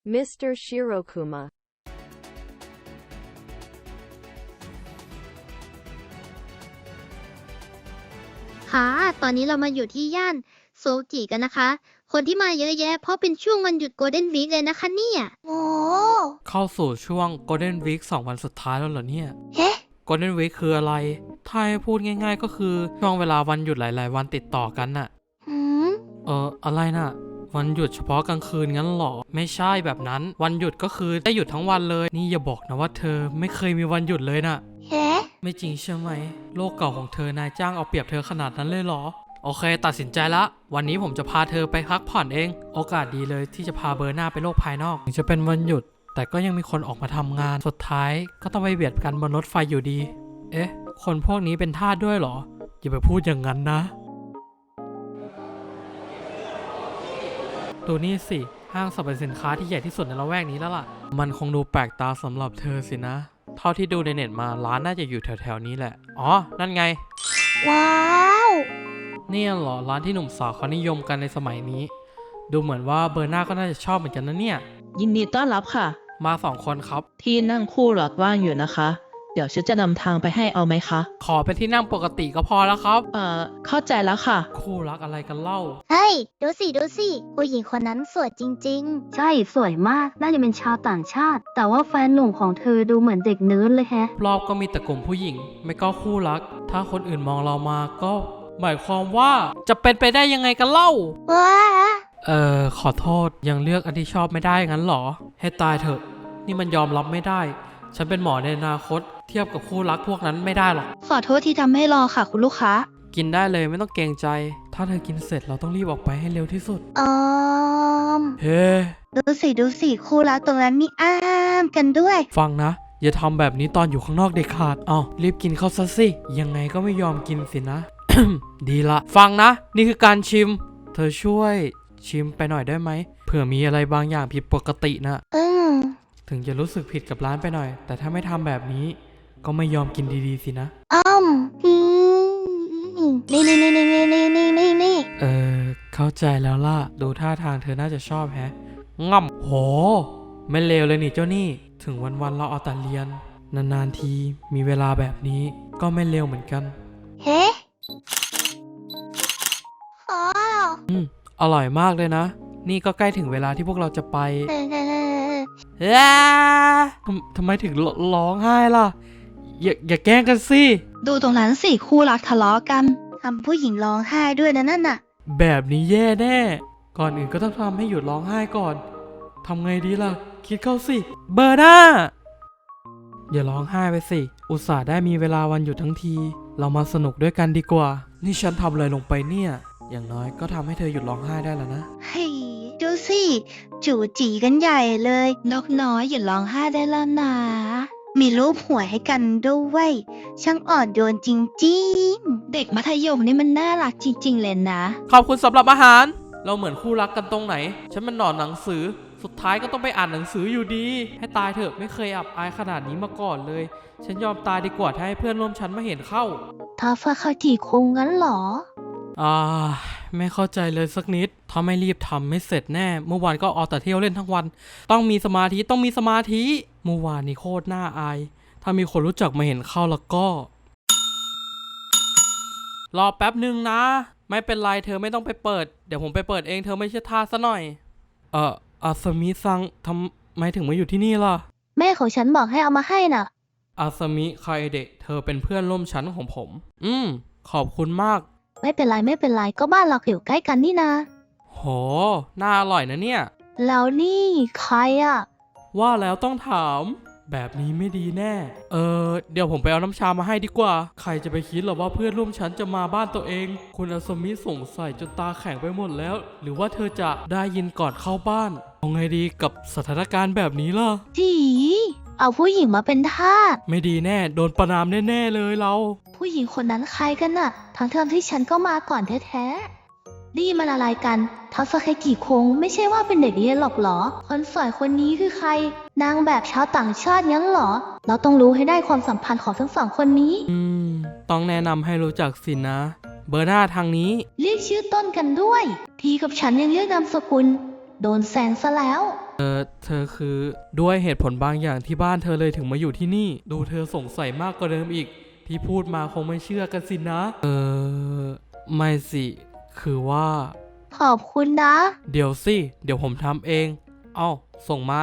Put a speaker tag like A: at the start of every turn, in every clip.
A: Mr. Shirokuma
B: ค่ะ ตอนนี้เรามาอยู่ที่ย่านโซจิกันนะคะ คนที่มาเยอะแยะเพราะเป็นช่วงวันหยุดโกลเด้นวีคเลยนะคะเนี่ยโอ้
C: เข้าสู่ช่วง Golden Week 2 วันสุดท้ายแล้วเหรอเนี่ย
B: เฮ้
C: Golden Week คืออะไร ถ้าให้พูดง่ายๆก็คือช่วงเวลาวันหยุดหลายๆวันติดต่อกันน่ะ
B: หืม
C: อะไรน่ะ วันหยุดเฉพาะกลางคืนงั้นหรอ ไม่ใช่แบบนั้น วันหยุดก็คือได้หยุดทั้งวันเลย นี่อย่าบอกนะว่าเธอไม่เคยมีวันหยุดเลยน่ะ
B: เฮ้
C: ไม่จริงใช่ไหม โลกเก่าของเธอนายจ้างเอาเปรียบเธอขนาดนั้นเลยเหรอ โอเค ตัดสินใจละ วันนี้ผมจะพาเธอไปพักผ่อนเอง โอกาสดีเลยที่จะพาเบอร์หน้าไปโลกภายนอกถึงจะเป็นวันหยุด แต่ก็ยังมีคนออกมาทำงาน สุดท้ายก็ต้องไปเบียดกันบนรถไฟอยู่ดี เอ๊ะ คนพวกนี้เป็นทาสด้วยเหรอ อย่าไปพูดอย่างนั้นนะ ดูนี่สิ ห้างสรรพสินค้าที่ใหญ่ที่สุดในละแวกนี้แล้วล่ะ มันคงดูแปลกตาสำหรับเธอสินะ เท่าที่ดูในเน็ตมาร้านน่าจะอยู่แถวๆนี้แหละ อ๋อ นั่นไง
B: ว้าว
C: เนี่ยเหรอร้านที่หนุ่มสาวเขานิยมกันในสมัยนี้ ดูเหมือนว่าเบอร์หน้าก็น่าจะชอบเหมือนกันนะเนี่ย
D: ยินดีต้อนรับค่ะ
C: มา2 คนครับ
D: ที่นั่งคู่หลอดว่างอยู่นะคะ เดี๋ยวฉันจะนำทางไปให้เอาไหมคะ
C: ขอเป็นที่นั่งปกติก็พอแล้วครับ
D: เข้าใจแล้วค่ะ
C: คู่รักอะไรกันเล่า
B: เฮ้ย ดูสิ ดูสิ ผู้หญิงคนนั้นสวยจริงๆ ใช่ สวยมาก น่าจะเป็นชาวต่างชาติ แต่ว่าแฟนหนุ่มของเธอดูเหมือนเด็กเนิร์ดเลยแฮะ
C: รอบก็มีแต่กลุ่มผู้หญิง ไม่ก็คู่รัก ถ้าคนอื่นมองเรามาก็ หมายความว่าจะเป็นไปได้ยังไงกันเล่า
B: ว้า
C: ขอโทษยังเลือกอันที่ชอบไม่ได้งั้นเหรอ ให้ตายเถอะ นี่มันยอมรับไม่ได้ ฉันเป็นหมอในอนาคต เทียบกับคู่รักพวกนั้นไม่ได้หรอก
B: ขอโทษที่ทำให้รอค่ะคุณลูกค้า
C: กินได้เลยไม่ต้องเกรงใจ ถ้าเธอกินเสร็จเราต้องรีบออกไปให้เร็วที่สุด เฮ้
B: ดูสิ ดูสิ คู่รักตรงนั้นมีอ้ามกันด้วย
C: ฟังนะ อย่าทำแบบนี้ตอนอยู่ข้างนอกเด็ดขาดรีบกินเข้าซะสิ ยังไงก็ไม่ยอมกินสินะ ดีละ ฟังนะ นี่คือการชิม เธอช่วยชิมไปหน่อยได้ไหม เผื่อมีอะไรบางอย่างผิดปกตินะ ถึงจะรู้สึกผิดกับร้านไปหน่อย แต่ถ้าไม่ทำแบบนี้ ก็ไม่ยอมกินดีๆสินะ
B: นี่
C: เข้าใจแล้วล่ะ ดูท่าทางเธอน่าจะชอบแฮะง่ำโห ไม่เลวเลยนี่เจ้านี่ ถึงวันๆเราเอาแต่เรียน นานๆทีมีเวลาแบบนี้ก็ไม่เลวเหมือนกัน
B: เฮ้อ๋อ
C: อร่อยมากเลยนะ นี่ก็ใกล้ถึงเวลาที่พวกเราจะไปทำไมถึงร้องไห้ล่ะ อย่าแกล้งกันสิ
B: ดูตรงนั้นสิ คู่รักทะเลาะกันทำผู้หญิงร้องไห้ด้วยนะนั่นน่ะ
C: แบบนี้แย่แน่ ก่อนอื่นก็ต้องทำให้หยุดร้องไห้ก่อน ทำไงดีล่ะ คิดเข้าสิ เบอร์หน้า อย่าร้องไห้ไปสิ อุตส่าห์ได้มีเวลาวันหยุดทั้งที เรามาสนุกด้วยกันดีกว่า นี่ฉันทำอะไรลงไปเนี่ย อย่างน้อยก็ทำให้เธอหยุดร้องไห้ได้แล้วนะ
B: เฮ้ยดูสิจู่จีกันใหญ่เลย นกน้อยอย่าร้องไห้ได้แล้วนะ มีรูปหัวให้กันด้วยช่างอ่อนโยนจริงๆ เด็กมัธยมนี่มันน่ารักจริงๆเลยนะ
C: ขอบคุณสำหรับอาหาร เราเหมือนคู่รักกันตรงไหน ฉันมันหนอนหนังสือ สุดท้ายก็ต้องไปอ่านหนังสืออยู่ดี ให้ตายเถอะไม่เคยอับอายขนาดนี้มาก่อนเลย ฉันยอมตายดีกว่าถ้าให้เพื่อนร่วมชั้นมาเห็นเข้า
B: ถ้าฟ้าเข้าทีคงงั้นเหรอ
C: ไม่เข้าใจเลยสักนิด ถ้าไม่รีบทำไม่เสร็จแน่ เมื่อวานก็เอาแต่เที่ยวเล่นทั้งวัน ต้องมีสมาธิ ต้องมีสมาธิ เมื่อวานนี่โคตรน่าอาย ถ้ามีคนรู้จักมาเห็นเข้าแล้วก็ รอแป๊บหนึ่งนะ ไม่เป็นไรเธอไม่ต้องไปเปิด เดี๋ยวผมไปเปิดเองเธอไม่ใช่ทาสซะหน่อย อาสมิซังทำไมถึงมาอยู่ที่นี่ล่ะ
B: แม่ของฉันบอกให้เอามาให้น่ะ
C: อาสมิคาเอเดะเธอเป็นเพื่อนร่วมชั้นของผม ขอบคุณมาก
B: ไม่เป็นไรก็บ้านเราอยู่ใกล้กันนี่นา
C: โห น่าอร่อยนะเนี่ย
B: แล้วนี่ใครอ่ะ
C: ว่าแล้วต้องถาม แบบนี้ไม่ดีแน่ เดี๋ยวผมไปเอาน้ำชามาให้ดีกว่า ใครจะไปคิดหรอว่าเพื่อนร่วมชั้นจะมาบ้านตัวเอง คุณอาสมิสงสัยจนตาแข็งไปหมดแล้ว หรือว่าเธอจะได้ยินก่อนเข้าบ้านเอาไงดีกับสถานการณ์แบบนี้ล่ะ
B: จีเอาผู้หญิงมาเป็นทาส
C: ไม่ดีแน่ โดนประณามแน่ๆเลยเรา
B: ผู้หญิงคนนั้นใครกันน่ะทั้งเทอมที่ฉันก็มาก่อนแท้ๆนี่มันอะไรกันทัศเคกิคงไม่ใช่ว่าเป็นเด็กเรียนหรอกเหรอ คนสวยคนนี้คือใคร นางแบบชาวต่างชาติงั้นเหรอ เราต้องรู้ให้ได้ความสัมพันธ์ของทั้งสองคนนี้
C: ต้องแนะนำให้รู้จักสินะ เบอร์หน้าทางนี้
B: เรียกชื่อต้นกันด้วย ทีกับฉันยังเรียกนามสกุล โดนแซงซะแล้ว
C: เธอคือด้วยเหตุผลบางอย่างที่บ้านเธอเลยถึงมาอยู่ที่นี่ ดูเธอสงสัยมากกว่าเดิมอีก ที่พูดมาคงไม่เชื่อกันสินะ ไม่สิ คือว่า
B: ขอบคุณนะ
C: เดี๋ยวสิ เดี๋ยวผมทำเอง เอ้า ส่งมา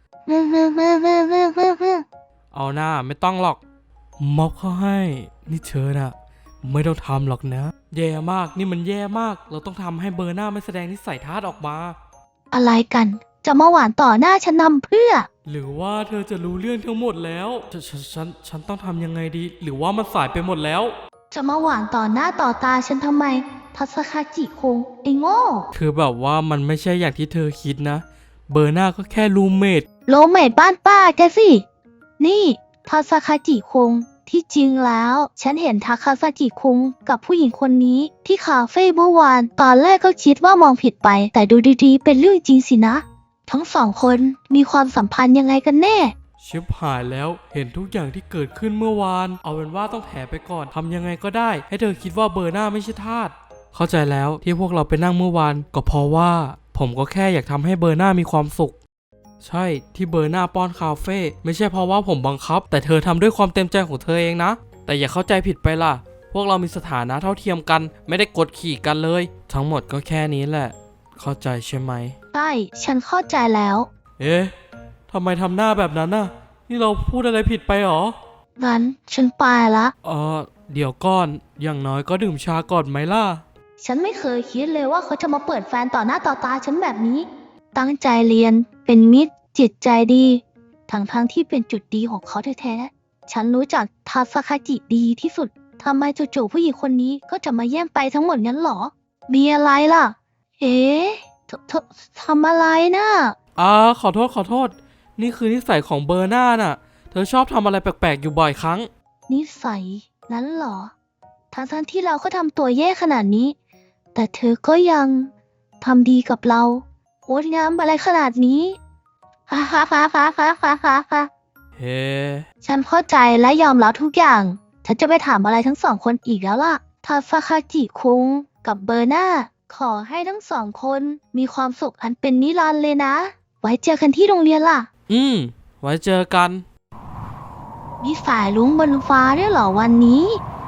C: เอาหน้าไม่ต้องหรอก มอบเขาให้ นี่เธอน่ะ ไม่ต้องทำหรอกนะ แย่มาก นี่มันแย่มาก เราต้องทำให้เบอร์หน้าไม่แสดงนิสัยทัศน์ออกมา
B: อะไรกัน จะมาหวานต่อหน้าฉันนำเพื่อ
C: หรือว่าเธอจะรู้เรื่องทั้งหมดแล้วฉันต้องทำยังไงดี หรือว่ามันสายไปหมดแล้ว
B: จะมาหวานต่อหน้าต่อตาฉันทำไม ทัศคาจิคงไอ้โง่
C: คือแบบว่ามันไม่ใช่อย่างที่เธอคิดนะ เบอร์หน้าก็แค่รูมเมท
B: โลเมดบ้านป้าแกสิ นี่ทัศคาจิคงที่จริงแล้ว ฉันเห็นทาคาซาจิคุงกับผู้หญิงคนนี้ที่คาเฟ่เมื่อวาน ตอนแรกก็คิดว่ามองผิดไป แต่ดูดีๆ เป็นเรื่องจริงสินะ ทั้งสองคนมีความสัมพันธ์ยังไงกันแน่
C: ชิบหายแล้วเห็นทุกอย่างที่เกิดขึ้นเมื่อวาน เอาเป็นว่าต้องแถไปก่อนทำยังไงก็ได้ ให้เธอคิดว่าเบอร์หน้าไม่ใช่ทาสเข้าใจแล้วที่พวกเราไปนั่งเมื่อวานก็เพราะว่า ผมก็แค่อยากทำให้เบอร์หน้ามีความสุข ใช่ที่เบอร์หน้าป้อนคาเฟ่ไม่ใช่เพราะว่าผมบังคับ แต่เธอทำด้วยความเต็มใจของเธอเองนะ แต่อย่าเข้าใจผิดไปล่ะ พวกเรามีสถานะเท่าเทียมกัน ไม่ได้กดขี่กันเลย ทั้งหมดก็แค่นี้แหละ เข้าใจใช่ไหม
B: ใช่ ฉันเข้าใจแล้ว
C: เอ๊ะทำไมทำหน้าแบบนั้นน่ะ นี่เราพูดอะไรผิดไปหรอ
B: งั้นฉันไปละ
C: เดี๋ยวก่อน อย่างน้อยก็ดื่มชาก่อนไหมล่ะ
B: ฉันไม่เคยคิดเลยว่าเขาจะมาเปิดแฟนต่อหน้าต่อตาฉันแบบนี้ ตั้งใจเรียน เป็นมิตร จิตใจดี ทั้งที่เป็นจุดดีของเขาแท้ๆ ฉันรู้จักทาสคาจิดีที่สุด ทำไมจู่ๆผู้หญิงคนนี้ก็จะมาแย่งไปทั้งหมดงั้นหรอ มีอะไรล่ะ เอ๊ะทำอะไรนะ
C: ขอโทษ นี่คือนิสัยของเบอร์หน้าน่ะ เธอชอบทำอะไรแปลกๆอยู่บ่อยครั้ง
B: นิสัยนั้นเหรอ ทั้งที่เราก็ทำตัวแย่ขนาดนี้ แต่เธอก็ยังทำดีกับเราโอ๊ตงามอะไรขนาดนี้ฮ่าฮ่าฮ่าฮ่าฮ่าฮ่าฮ่าฮ่า
C: เฮ้
B: ฉันเข้าใจและยอมรับทุกอย่าง ฉันจะไปถามอะไรทั้งสองคนอีกแล้วล่ะทาซาคาจิคุงกับเบอร์นาขอให้ทั้งสองคนมีความสุขอันเป็นนิรันดร์เลยนะ ไว้เจอกันที่โรงเรียนล่ะ
C: ไว้เจอกัน
B: มีสายลุงบนฟ้าด้วยเหรอวันนี้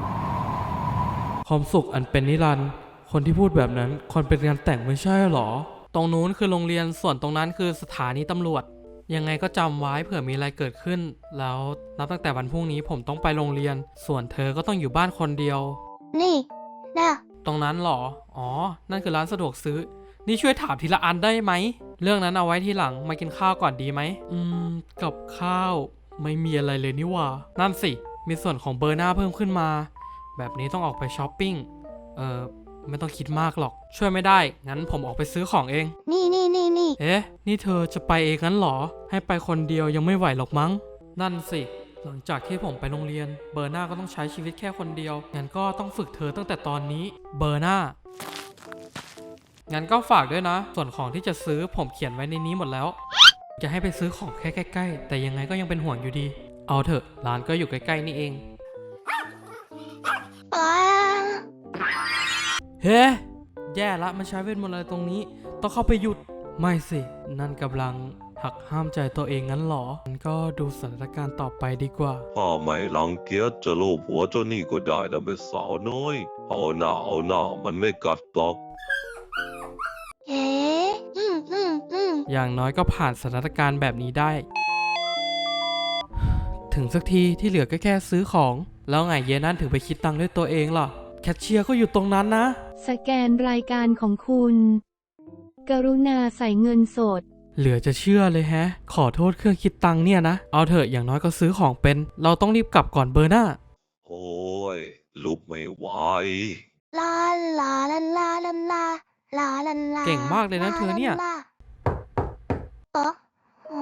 C: ความสุขอันเป็นนิรันดร์คนที่พูดแบบนั้นคนเป็นงานแต่งไม่ใช่หรอ ตรงนู้นคือโรงเรียน ส่วนตรงนั้นคือสถานีตำรวจ ยังไงก็จำไว้เผื่อมีอะไรเกิดขึ้น แล้วนับตั้งแต่วันพรุ่งนี้ผมต้องไปโรงเรียน ส่วนเธอก็ต้องอยู่บ้านคนเดียว
B: นี่นะ
C: ตรงนั้นหรอ อ๋อ นั่นคือร้านสะดวกซื้อ นี่ช่วยถามทีละอันได้ไหม เรื่องนั้นเอาไว้ทีหลัง มากินข้าวก่อนดีไหม กับข้าว ไม่มีอะไรเลยนี่หว่า นั่นสิ มีส่วนของเบอร์หน้าเพิ่มขึ้นมา แบบนี้ต้องออกไปช้อปปิ้ง ไม่ต้องคิดมากหรอก ช่วยไม่ได้ งั้นผมออกไปซื้อของเอง
B: นี่
C: เอ๊ะ นี่เธอจะไปเองงั้นเหรอ ให้ไปคนเดียวยังไม่ไหวหรอกมั้ง นั่นสิ หลังจากที่ผมไปโรงเรียน เบอร์หน้าก็ต้องใช้ชีวิตแค่คนเดียว งั้นก็ต้องฝึกเธอตั้งแต่ตอนนี้ เบอร์หน้า งั้นก็ฝากด้วยนะ ส่วนของที่จะซื้อผมเขียนไว้ในนี้หมดแล้ว จะให้ไปซื้อของแค่ใกล้ๆ แต่ยังไงก็ยังเป็นห่วงอยู่ดี เอาเถอะ ร้านก็อยู่ใกล้ๆนี่เอง เฮ้ แย่ละมันใช้เวทมนต์อะไรตรงนี้ ต้องเข้าไปหยุด ไม่สิ นั่นกำลังหักห้ามใจตัวเองงั้นหรองั้นก็ดูสถานการณ์ต่อไปดีกว่า
A: ถ้าไม่รังเกียจจะลูบหัวเจ้านี่ก็ได้นะเป็นสาวน้อย เอาหน้ามันไม่กัดหรอก
B: เอ๊ะ
C: อย่างน้อยก็ผ่านสถานการณ์แบบนี้ได้ ถึงสักทีที่เหลือก็แค่ซื้อของ แล้วไงเยนั่นถึงไปคิดตังค์ด้วยตัวเองล่ะ แคชเชียร์ก็อยู่ตรงนั้นนะ
E: สแกนรายการของคุณ กรุณาใส่เงินสด
C: เหลือจะเชื่อเลยแฮะ ขอโทษเครื่องคิดตังค์เนี่ยนะ เอาเถอะอย่างน้อยก็ซื้อของเป็น เราต้องรีบกลับก่อนเบอร์หน้า
A: โอ้ยลุกไม่ไหว
B: ลาลาลาลาลาลาลาลาลา
C: เก่งมากเลยนะเธอเนี่ย
B: อ๋อ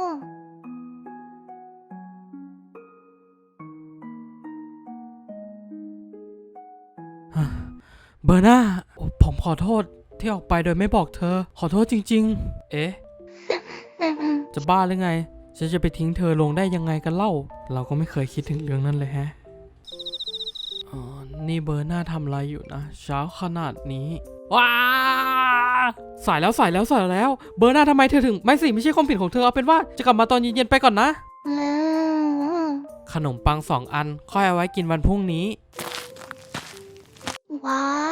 C: เบอร์หน้าผมขอโทษที่ออกไปโดยไม่บอกเธอ ขอโทษจริงๆ เอ๊ะ จะบ้าหรือไง ฉันจะไปทิ้งเธอลงได้ยังไงกันเล่า เราก็ไม่เคยคิดถึงเรื่องนั้นเลยแฮะ นี่เบอร์หน้าทำอะไรอยู่นะ เช้าขนาดนี้ ว้าสายแล้วเบอร์หน้าทำไมเธอถึงไม่ใช่ความผิดของเธอเอาเป็นว่าจะกลับมาตอนเย็นๆไปก่อนนะ
B: อืม
C: ขนมปัง2 อันค่อยเอาไว้กินวันพรุ่งนี้
B: ว้าว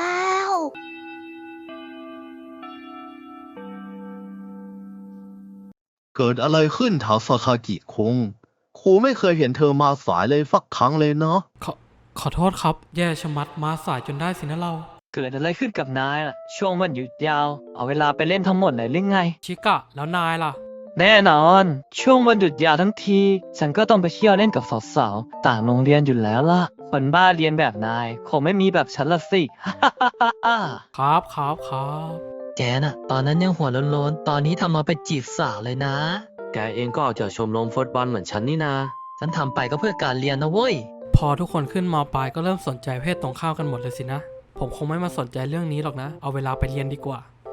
F: เกิดอะไรขึ้นถามซาคากิคุงครูไม่เคยเห็นเธอมาสายเลยสักครั้งเลยเนาะ
C: ขอโทษครับ แย่ชะมัดมาสายจนได้สินะเรา
G: เกิดอะไรขึ้นกับนายล่ะ ช่วงวันหยุดยาว เอาเวลาไปเล่นทั้งหมดเลยหรือไง
C: ชิกะแล้วนายล่ะ
G: แน่นอน ช่วงวันหยุดยาวทั้งที ฉันก็ต้องไปเที่ยวเล่นกับสาวๆต่างโรงเรียนอยู่แล้วล่ะ คนบ้าเรียนแบบนายคงไม่มีแบบฉันละสิ
C: ครับ
D: แกน่ะ ตอนนั้นยังหัวโล้นๆ ตอนนี้ทำมาเป็นจีบสาวเลยนะ
H: แกเองก็ออกจากชมรมฟุตบอลเหมือนฉันนี่นา
D: ฉันทำไปก็เพื่อการเรียนนะเว้ย
C: พอทุกคนขึ้นมปลายก็เริ่มสนใจเพศตรงข้ามกันหมดเลยสินะ ผมคงไม่มาสนใจเรื่องนี้หรอกนะ เอาเวลาไปเรียนดีกว่า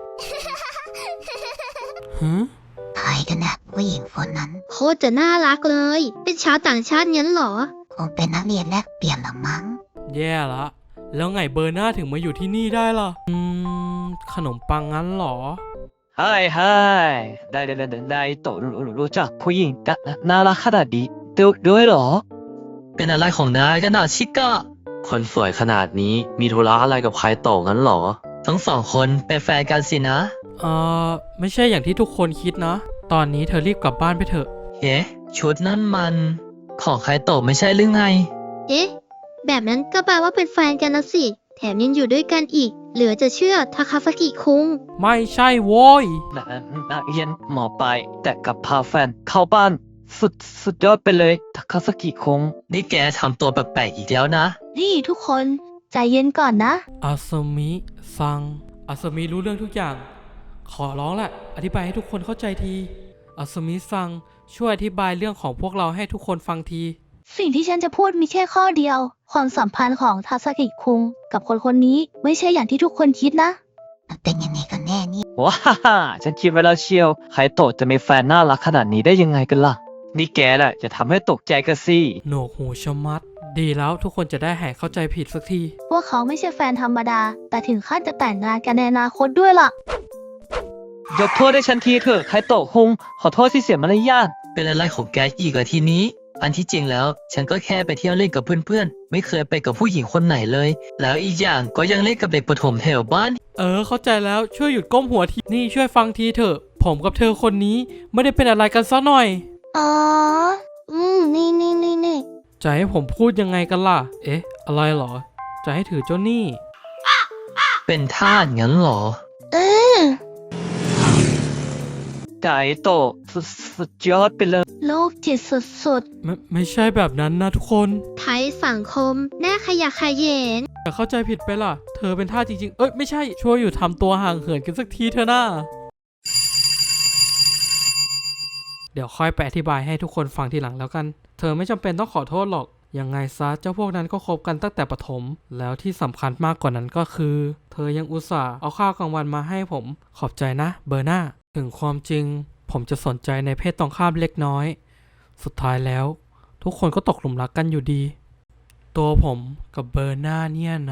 C: หือ
I: ใครกันนะผู้หญิงคนนั้น
J: โคตรจะน่ารักเลย เป็นชาวต่างชาติงั้นเหรอ
I: คงเป็นนักเรียนแลกเปลี่ยนละมั้ง
C: แย่ละ แล้วไงเบอร์หน้าถึงมาอยู่ที่นี่ได้ล่ะ ขนมปังงั้นเหรอ
G: ไฮได้โตรู้จักผู้หญิงน่ารักขนาดนี้ด้วยเหรอ
D: เป็นอะไรของนายกันน่ะชิกะ
H: คนสวยขนาดนี้มีธุระอะไรกับใครโตงั้นเหรอ
D: ทั้ง2 คนเป็นแฟนกันสินะ
C: ไม่ใช่อย่างที่ทุกคนคิดนะ ตอนนี้เธอรีบกลับบ้านไปเถอะ
D: เฮ้ชุดนั่นมัน ของใครโตไม่ใช่หรือไง
J: เอ๊ะ แบบนั้นก็แปลว่าเป็นแฟนกันแล้วสิ แถมยังอยู่ด้วยกันอีก เหลือจะเชื่อทาคาซากิคุง
C: ไม่ใช่โว้ย
G: นักเรียนหมอปลายแต่กลับพาแฟนเข้าบ้าน สุดยอดไปเลยทาคาซากิคง
D: นี่แกทำตัวแปลกๆอีกแล้วนะ
B: นี่ทุกคนใจเย็นก่อนนะ
C: อาซามิซัง อาซามิรู้เรื่องทุกอย่าง ขอร้องแหละ อธิบายให้ทุกคนเข้าใจที อาซามิซัง ช่วยอธิบายเรื่องของพวกเราให้ทุกคนฟังที
B: สิ่งที่ฉันจะพูดมีแค่ข้อเดียว ความสัมพันธ์ของทาซากิคุงกับคนคนนี้ไม่ใช่อย่างที่ทุกคนคิดนะ
I: มันเป็นยังไงกันแน่นี่
G: ว้าฉันคิดไว้แล้วเชียวใครโตจะมีแฟนน่ารักขนาดนี้ได้ยังไงกันล่ะ นี่แกแหละจะทำให้ตกใจกันสิ
C: หนวกหูชะมัด ดีแล้วทุกคนจะได้หายเข้าใจผิดสักที
B: พวกเขาไม่ใช่แฟนธรรมดา แต่ถึงขั้นจะแต่งงานกันในอนาคตด้วยล่ะ
G: ยกโทษให้ฉันทีเถอะใครโตคงขอโทษที่เสียมารยาท
D: เป็นอะไรของแกอีกอะทีนี้ อันที่จริงแล้ว ฉันก็แค่ไปเที่ยวเล่นกับเพื่อนๆ ไม่เคยไปกับผู้หญิงคนไหนเลย แล้วอีกอย่างก็ยังเล่นกับเด็กประถมแถวบ้าน
C: เข้าใจแล้วช่วยหยุดก้มหัวที นี่ช่วยฟังทีเถอะ ผมกับเธอคนนี้ไม่ได้เป็นอะไรกันซะหน่อย
B: อ๋อ นี่
C: จะให้ผมพูดยังไงกันล่ะ เอ๊ะ อะไรเหรอ จะให้ถือเจ้าหนี้
D: เป็นทาสงั้นเหรอ
G: ไก่โตสุดยอดไปเลย
B: โลกจิตสุด
C: ไม่ใช่แบบนั้นนะทุกคน
J: ไทยสังคมแน่ขยะแขยง
C: อย่าเข้าใจผิดไปล่ะ เธอเป็นท่าสจริงๆ เอ้ยไม่ใช่ ช่วยอยู่ทำตัวห่างเหินกันสักทีเถอะนะเดี๋ยวค่อยไปอธิบายให้ทุกคนฟังทีหลังแล้วกัน เธอไม่จำเป็นต้องขอโทษหรอก ยังไงซะเจ้าพวกนั้นก็คบกันตั้งแต่ประถม แล้วที่สำคัญมากกว่านั้นก็คือ เธอยังอุตส่าห์เอาข้าวกลางวันมาให้ผม ขอบใจนะเบอร์นาถึงความจริง ผมจะสนใจในเพศตรงข้ามเล็กน้อย สุดท้ายแล้ว ทุกคนก็ตกหลุมรักกันอยู่ดี ตัวผมกับเบอร์นาเนี่ยนะ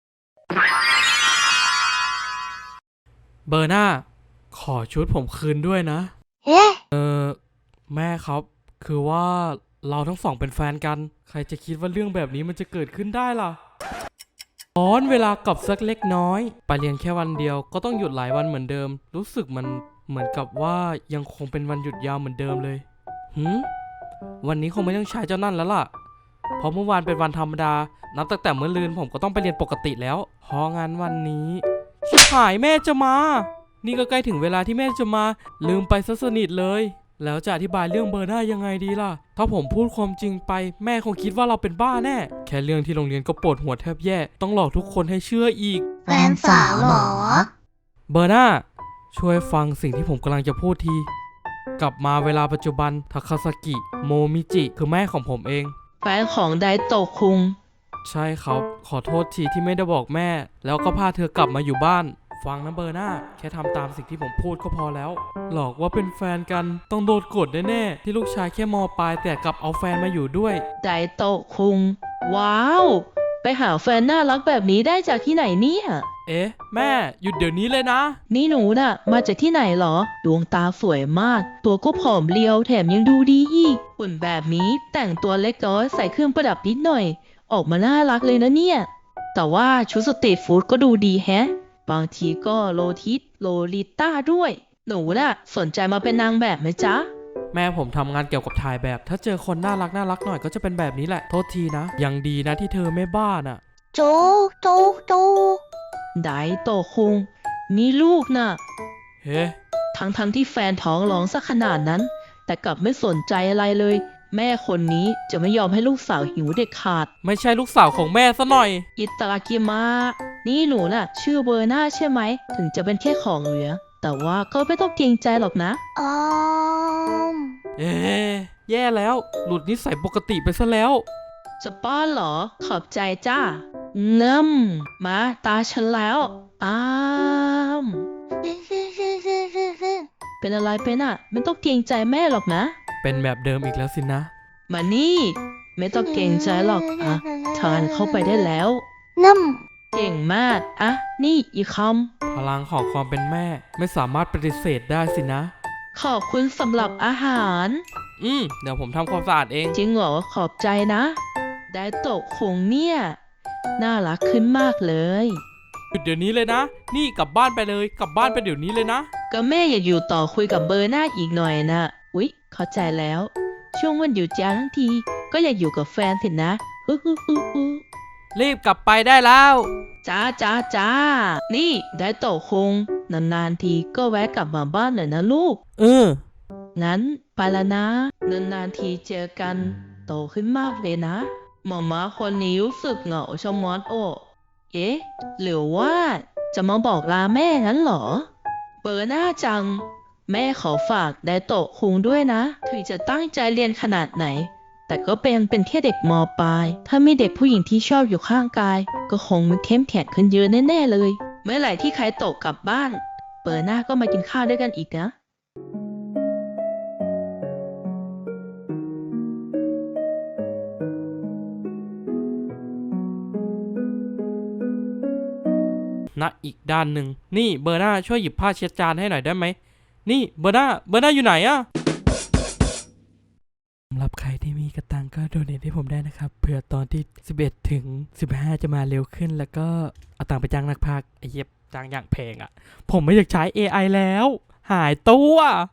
C: เบอร์นาขอชุดผมคืนด้วยนะ
B: ๆ เอ๊ะ
C: แม่ครับ คือว่าเราทั้งสองเป็นแฟนกัน ใครจะคิดว่าเรื่องแบบนี้มันจะเกิดขึ้นได้ล่ะย้อนเวลากลับสักเล็กน้อย ไปเรียนแค่วันเดียวก็ต้องหยุดหลายวันเหมือนเดิม รู้สึกมันเหมือนกับว่ายังคงเป็นวันหยุดยาวเหมือนเดิมเลยวันนี้คงไม่ต้องใช้เจ้านั่นแล้วล่ะ เพราะเมื่อวานเป็นวันธรรมดา นับตั้งแต่เมื่อลืนผมก็ต้องไปเรียนปกติแล้ว เพราะงั้นวันนี้ชิบหายแม่จะมา นี่ก็ใกล้ถึงเวลาที่แม่จะมา ลืมไปซะสนิทเลย แล้วจะอธิบายเรื่องเบอร์หน้ายังไงดีล่ะ ถ้าผมพูดความจริงไปแม่คงคิดว่าเราเป็นบ้าแน่ แค่เรื่องที่โรงเรียนก็ปวดหัวแทบแย่ ต้องหลอกทุกคนให้เชื่ออีก
I: แฟนสาวเหรอ
C: เบอร์หน้าช่วยฟังสิ่งที่ผมกำลังจะพูดที กลับมาเวลาปัจจุบันทาคาซากิโมมิจิคือแม่ของผมเอง
D: แฟนของไดโตะคุง
C: ใช่ครับ ขอโทษทีที่ไม่ได้บอกแม่ แล้วก็พาเธอกลับมาอยู่บ้าน ฟังนะเบอร์หน้าแค่ทำตามสิ่งที่ผมพูดก็พอแล้ว หลอกว่าเป็นแฟนกันต้องโดนกดแน่ๆที่ลูกชายแค่มปลายแต่กลับเอาแฟนมาอยู่ด้วย
D: ไดโตะคุง ว้าว ไปหาแฟนน่ารักแบบนี้ได้จากที่ไหนเนี่ย
C: เอ๊ะ แม่หยุดเดี๋ยวนี้เลยนะ
K: นี่หนูน่ะ มาจากที่ไหนเหรอ ดวงตาสวยมาก ตัวก็ผอมเรียวแถมยังดูดีอีกหุ่นแบบนี้แต่งตัวเล็กน้อยใส่เครื่องประดับนิดหน่อย ออกมาน่ารักเลยนะเนี่ย แต่ว่าชุดสตรีทฟู้ดก็ดูดีแฮะ บางทีก็โลทิสโลลิต้าด้วย หนูน่ะสนใจมาเป็นนางแบบไหมจ๊ะ
C: แม่ผมทำงานเกี่ยวกับถ่ายแบบ ถ้าเจอคนน่ารักหน่อยก็จะเป็นแบบนี้แหละ โทษทีนะ ยังดีนะที่เธอไม่บ้าน่ะ
B: โจโจโจ
K: ไดโตคุงมีลูกน่ะ
C: เฮ้
K: ทั้งที่แฟนท้องร้องซะขนาดนั้น แต่กลับไม่สนใจอะไรเลย แม่คนนี้จะไม่ยอมให้ลูกสาวหิวเด็ดขาด
C: ไม่ใช่ลูกสาวของแม่ซะหน่อย
K: อิตากิมะนี่หนูน่ะ ชื่อเบอร์น่าใช่ไหม ถึงจะเป็นแค่ของเหลือ แต่ว่าก็ไม่ต้องเกรงใจหรอกนะ
B: อ๋อ
C: เอ๊ะแย่แล้ว หลุดนิสัยปกติไปซะแล้ว
K: จะป้อนเหรอ ขอบใจจ้าเนิ่มมาตาฉันแล้วอ้ามเป็นอะไรเป็นอ่ะ ไม่ต้องเกรงใจแม่หรอกนะ
C: เป็นแบบเดิมอีกแล้วสินะ
K: มานี่ ไม่ต้องเกรงใจหรอกอ่ะทานเข้าไปได้แล้ว
B: น้
K: เก่งมากอ่ะนี่อีกค
C: พลังของความเป็นแม่ไม่สามารถปฏิเสธได้สินะ
K: ำขอบคุณสำหรับอาหาร
C: เดี๋ยวผมทำความสะอาดเอง
K: จริงเหรอขอบใจนะ ได้โตะคงเนี่ย น่ารักขึ้นมากเลย
C: หยุดเดี๋ยวนี้เลยนะ นี่กลับบ้านไปเลย กลับบ้านไปเดี๋ยวนี้เลยนะ
K: ก็แม่อยากอยู่ต่อคุยกับเบอร์หน้าอีกหน่อยนะอุ๊ยเข้าใจแล้ว ช่วงวันหยุดยาวทั้งที ก็อยากอยู่กับแฟนสินะฮึฮึฮึฮึ
C: รีบกลับไปได้แล้ว
K: จ้า นี่ได้โตะคง นานๆทีก็แวะกลับมาบ้านหน่อยนะลูก งั้นไปละนะ นานๆทีเจอกัน โตขึ้นมากเลยนะ หมอม้าคนนี้รู้สึกเหงาชะมัดโอเอ๊ะ หรือว่าจะมาบอกลาแม่งั้นเหรอ เบอร์หน้าจัง แม่ขอฝากไดโตะคุงด้วยนะ ถึงจะตั้งใจเรียนขนาดไหน แต่ก็เป็นแค่เด็กมปลาย ถ้ามีเด็กผู้หญิงที่ชอบอยู่ข้างกาย ก็คงมันเข้มแข็งขึ้นเยอะแน่ๆเลย เมื่อไหร่ที่ใครโตะกลับบ้าน เบอร์หน้าก็มากินข้าวด้วยกันอีกนะ
C: ณอีกด้านหนึ่ง นี่เบอร์หน้าช่วยหยิบผ้าเช็ดจานให้หน่อยได้ไหม นี่เบอร์หน้าอยู่ไหนอะสำหรับใครที่มีกระตังก็โดเนทให้ผมได้นะครับ เผื่อตอนที่ 11 ถึง 15 จะมาเร็วขึ้น แล้วก็เอาตังค์ไปจ้างนักพากย์ไอ้เหี้ยจ้างอย่างแพงอะ ผมไม่อยากใช้ AI แล้ว หายตัว